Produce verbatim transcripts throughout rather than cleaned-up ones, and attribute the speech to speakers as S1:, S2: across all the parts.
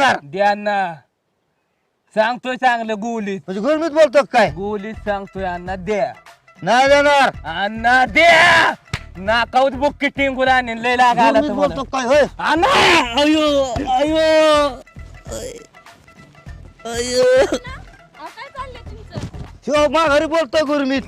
S1: देणार
S2: द्या ना सांगतोय चांगलं गोलीत
S1: म्हणजे गुरमीत बोलतो काय
S2: गोलीत सांगतोय अण्णा द्या
S1: नाही देणार
S2: अण्णा द्या नाकाऊत बुक्की टिंगून आणीन लय लागायला
S1: गुरमीत बोलतो काय होय
S2: अण्णा अयो अयो अयो
S3: अहो, काय चाललंय तुमचं?
S1: शिव माघारी बोलतोय गुरमीत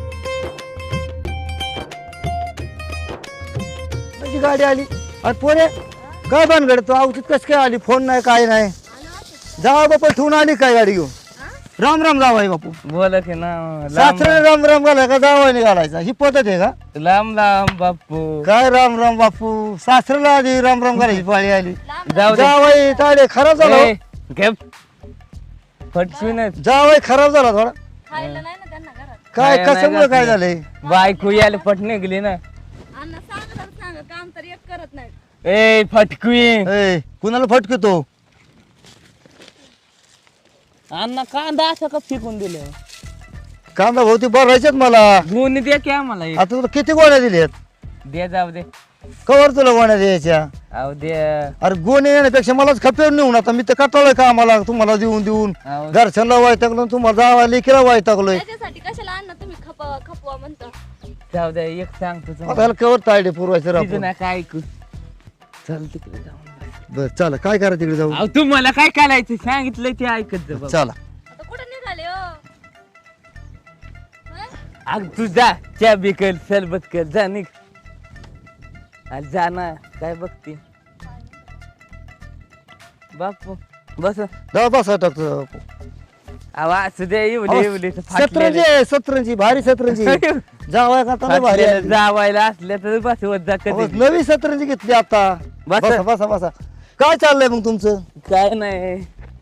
S1: माझी गाडी आली आणि पोरे काय भानगड तू औषध कस काय आली फोन नाही काय नाही
S3: आलो असं.
S1: जावा बापा ठेवून आली काय गाडी घेऊन
S3: हा?
S1: राम राम जावाय बापू
S2: बोला की ना लांब
S1: सासरे राम राम घालाय का जावायने घालायचा ही पद्धत आहे का
S2: लांब लांब बापू
S1: काय राम राम बापू सासऱ्याला आधी राम राम घालायची पाळी आली
S3: लांब
S2: जाऊ दे
S1: जावाई ताडे खराब झाला हो.
S2: ए, घे फटसूनच
S1: जावाई खराब झाला थोडा
S3: खायला नाही ना त्यांना घरात.
S1: काय
S2: नाही, नाही
S1: कशामुळे काय
S2: घातलं.
S1: झालंय
S2: बायको यायला पट निघली ना
S3: अण्णा सांगा तर सांगा काम तर एक करत नाही.
S2: ए फटकुई
S1: ए, कुणाला फटकतो
S2: अण्णा कांदा असं का फेकून दिलं
S1: कांदा भाऊ ती भरायच्यात मला
S2: गुण द्या की आम्हाला एक.
S1: आता तुला किती गोण्या दिल्यात
S2: दे जाऊ दे
S1: कवर तुला गोण्या द्यायच्या
S2: अहो दे
S1: अरे गोणे येण्यापेक्षा मलाच खपेवर नेऊन आता मी तर कटाळलोय का आम्हाला तुम्हाला देऊन देऊन
S2: अहो,
S1: घरच्यांना वायटाकलो तुम्हाला जावा लेकीला वायटाकलोय
S3: त्याच्यासाठी कशाला अण्णा तुम्ही खपवा खपवा म्हणता.
S2: जाऊ दे एक सांगतो
S1: आता
S2: तुम्हाला.
S1: ह्याला कवर तायडे पुरवायचं
S2: तिथं
S1: राहतो
S2: ना काय ऐकू चल तिकडे जाऊन बस.
S1: बर चला काय करा तिकडे जाऊ
S2: अहो तुम्हाला काय करायचं सांगितलंय ते ऐकत जा बाबा.
S1: चला
S3: आता कुठे निघाले हो? हं?
S2: अग तू जा च्या बिकल सरबत कर जा निघ अरे जा ना काय बघते बापू बस
S1: जाऊ बसा टाकतो
S2: अहो असू दे एवढे एवढे
S1: सतरंजी आहे, सतरंजी भारी सतरंजी जावाय का आता भारी आहे.
S2: जावायला असल्या तर बस होत जा
S1: अहो,
S2: कधी
S1: नवी सतरंजी घेतली आता
S2: बसा.
S1: बसा बसा बसा काय चाललंय मग तुमचं
S2: काय नाही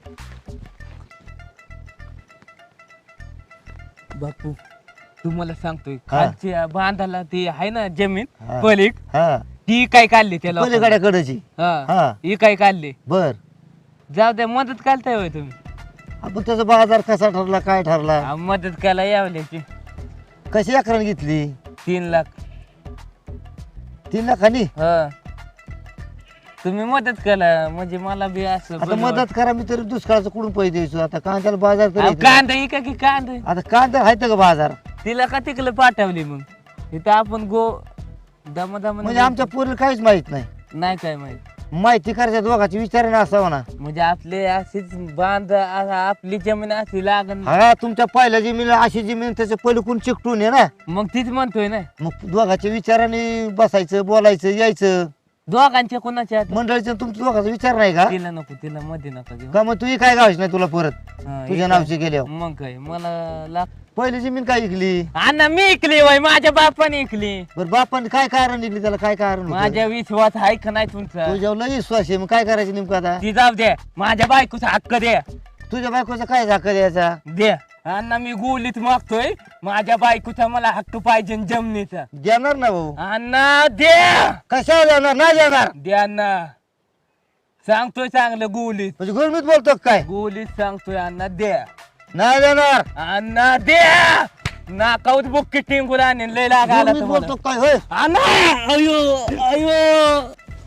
S2: बापू तुम्हाला सांगतोय खालच्या बांधाला ती आहे ना जमीन
S1: हा.
S2: पलीक
S1: हा
S2: ती काय काढली त्याला
S1: पलीकड्याकडची
S2: हा
S1: हा.
S2: ही काय काढली
S1: बर
S2: जाऊ द्या मदत करताय होय तुम्ही
S1: आपण त्याचा बाजार कसा ठरला काय ठरला
S2: अहो, मदत करायला यावल्याची
S1: कशी अकराने घेतली
S2: तीन लाख
S1: तीन लाखानी
S2: हा तुम्ही मदत करा म्हणजे मला बी असं
S1: आता
S2: बनवा-
S1: मदत करा मी तरी दुष्काळाचं कुठून पैसे द्यायचो आता कांद्याला बाजार
S2: अहो,
S1: तरी
S2: कांदा ही का की कांदा
S1: आता कांदा आहे का बाजार
S2: तिला का तिकडे पाठवली मग इथं आपण गो दम दम
S1: म्हणजे आमच्या पोरीला काहीच माहित नाही
S2: नाही काय माहित
S1: माहिती करायच्या दोघांची विचाराने असावं ना
S2: म्हणजे आपले अशीच बांध आ- आपली जमीन अशी लागण
S1: हा तुमच्या पहिल्या जमीन अशी जमीन त्याच्या पलीकडून चिकटून आहे ना
S2: मग तीच म्हणतोय ना
S1: मग दोघांच्या विचाराने बसायचं बोलायचं यायचं
S2: दोघांच्या कोणाच्या हातात?
S1: मंडळीचं तुमच्या दोघांचा विचार नाही का
S2: तिला नको तिला मध्ये नका घेऊ
S1: का मग तू काय गावायच नाही तुला परत
S2: हा,
S1: तुझ्या
S2: इकडं-
S1: नावची गेल्यावर
S2: मग काय मला लाग
S1: पहिली जमीन काय विकली
S2: अण्णा मी इकली वय माझ्या बापाने इकली
S1: बरं बापाने काय कारण निघली त्याला काय कारण होतं?
S2: माझ्या विश्वास आहे का नाही तुमचा
S1: तुझ्यावर लई विश्वास आहे मग काय करायचं नेमकं आता
S2: ती जाऊ द्या माझ्या बायकोचा हक्क द्या
S1: तुझ्या बायकोचा काय झाका द्यायचा
S2: द्या अण्णा मी गोलीत मागतोय माझ्या बायकोचा मला हक्क पाहिजे जमिनीचा
S1: देणार ना भाऊ
S2: अण्णा द्या
S1: कशावर देणार नाही देणार
S2: द्या ना सांगतोय चांगलं गोलीत
S1: म्हणजे गुरमीत बोलतो का काय
S2: गोलीत सांगतोय अण्णा द्या
S1: नाही देणार
S2: अण्णा द्या नाकाऊत बुक्की टिंगून आणीन लय लागायला
S1: गुरमीत बोलतो
S2: तुम्हाला.
S1: का काय होय
S2: अण्णा अयो अयो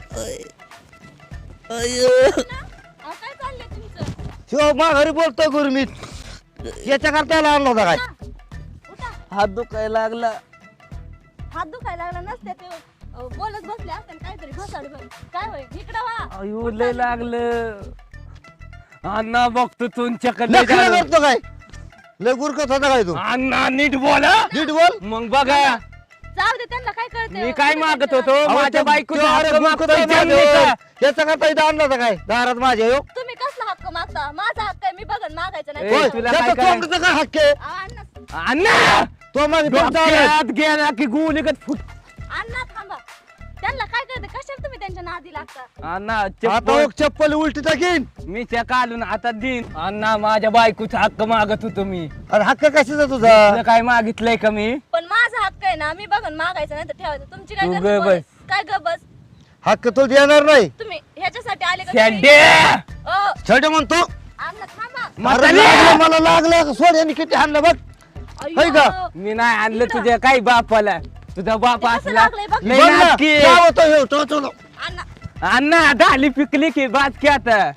S2: अयो
S3: अहो, काय चाललंय तुमचं?
S1: शिव माघारी बोलतोय गुरमीत याच्या करता आणला होता काय
S3: उठा.
S2: हात दुखायला लागला
S3: हात दुखायला लागला नसते ते अहो, बोलत बसले असते काहीतरी घसाड भर. काय होय इकडं वा
S2: अयो लय लागलं अण्णा बघतो तुमच्याकडे
S1: नखरा करतो काय लय गुरकत होता काय तू
S2: अण्णा नीट बोला
S1: नीट बोल
S2: मग बघा
S3: जाऊ दे त्यांना काय कळते
S2: मी काय मागत होतो
S1: अहो,
S2: माझ्या
S1: ते-
S2: बायकोचा
S1: ते अरे
S2: हक्क
S1: गुरकत
S2: मागतोय
S1: होता माझ्यावर.
S2: जमिनीचा.
S1: याचा करता इथं आणला होता काय दारात माझ्या हो
S3: तुम्ही कसला हक्क मागता माझा हक्क आहे मी बघन मागायचं नाही
S2: ए,
S1: होय,
S2: तुला
S1: त्याचा
S2: काय करायचं?
S1: कोंबडीचा काय हक्क आहे
S3: अहो, अण्णा
S2: अण्णा
S1: तो माझी पंचावन्न आहे.
S2: डोक्यात गेला की गुलिगत फुट
S3: अण्णा थांबा त्यांना काय कळते कशाला तुम्ही त्यांच्या नादी लागता
S2: अण्णा
S1: आता
S2: चप्पल
S1: एक चप्पल उलटी टाकीन
S2: मी त्या काढून आता देईन अण्णा माझ्या बायकोचा हक्क मागत होतो मी
S1: अरे हक्क कशाचा तुझा
S2: तुला काय मागितलंय का मी
S3: पण माझा हक्क आहे ना मी बघन मागायचं नाही तर ठेवायचं तुमची काय
S2: तू
S3: गरज
S2: ग
S3: बोलायची?
S2: बस.
S3: काय ग बस
S1: हक्क तो देणार नाही
S3: तुम्ही ह्याच्यासाठी आले का तुम्ही?
S2: शेंड्या
S3: अहो,
S1: छोटे म्हणतो
S3: अण्णा थांबा
S1: अरे
S2: म्हातारी.
S1: लागलं, मला लागलं सोड यांनी किती हाणलं बघ होय का?
S3: अय्यो.
S2: मी नाही आणलं तुझ्या काही बापाला तुझा बाप
S3: ते कसं
S2: असला
S3: लागलंय बघ.
S2: लय
S1: बघ ना,
S2: नाटकी.
S1: काय होतं हे? तो- तो- तो.
S3: अण्णा
S2: अण्णा ढाली पिकली की बात की आता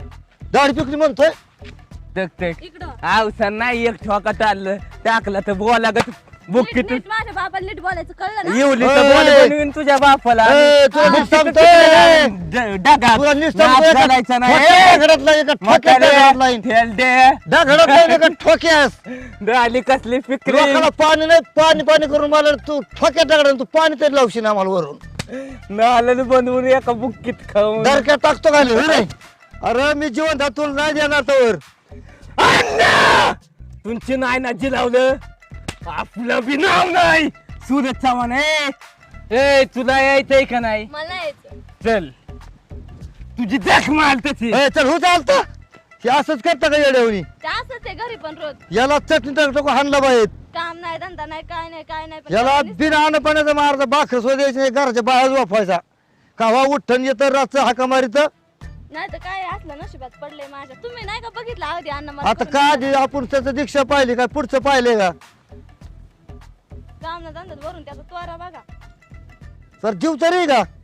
S1: दाढी पिकली म्हणतोय
S2: तक तक
S3: इकडं
S2: आवसा नाही एक ठोका टाळलं टाकला तर बोला ग बुक्की
S3: नीट- नीट माझ्या बाबाला नीट बोलायचं कळलं ना
S2: येवली तर
S1: ए,
S2: बोल बनवीन तुझ्या बापाला
S1: ए, तुला नीट सांगतोय.
S2: ड- डगात.
S1: तुला नुसतं
S2: नाद
S1: एका
S2: घालायचा नाही.
S1: ठोक्यात दगडात लाईन, एका ठोक्यात
S2: म्हातारे,
S1: दगडात लाईन.
S2: ठेल दे.
S1: दगडात लाईन, एका ठोक्यास
S2: आली कसली फिक्री
S1: लोकाला पाणी नाही पाणी पाणी करून मला तू ठोक्यात दगडात तू पाणी तरी लावशील आम्हाला वरून
S2: नालन बनवून एका बुक्कीत खाऊन
S1: दरक्यात टाकतो का नाही अरे मी जिवंत आहे, तुला नाही देणार तर
S2: अण्णा! तुमची नाही ना जिलावलं आपलं बी नाव नाही सूरज चव्हाण ए ए, तुला यायचंय का नाही
S3: मला यायचं
S2: चल तुझी देख माल तशी
S1: ए, चल हो चालतं हे असंच करता का येड्यावणी
S3: ते असंच आहे घरी पण रोज
S1: याला चटणी टाकतो हाणला बाहेर
S3: काम नाही धंदा नाही काय नाही काय नाही पण
S1: याला
S3: त्याला नुसतं-
S1: बिना अन्न पाण्याचा मारता बाखर सो द्यायचं नाही घराच्या बाहेर वापरायचा कावा उठ्ठन येतं रातचं हाका मारित
S3: नाही तर काय असलं नशिबात पडले माझ्या तुम्ही नाही का बघितलं अगदी अन्न मला
S1: आता
S3: करून
S1: का
S3: दिलं.
S1: आधी आपण त्याचं दीक्षा पाहिली का पुढचं पाहिले का
S3: काम ना धंद्यात वरून त्याचा त्वरा बघा
S1: तर जीव तरी का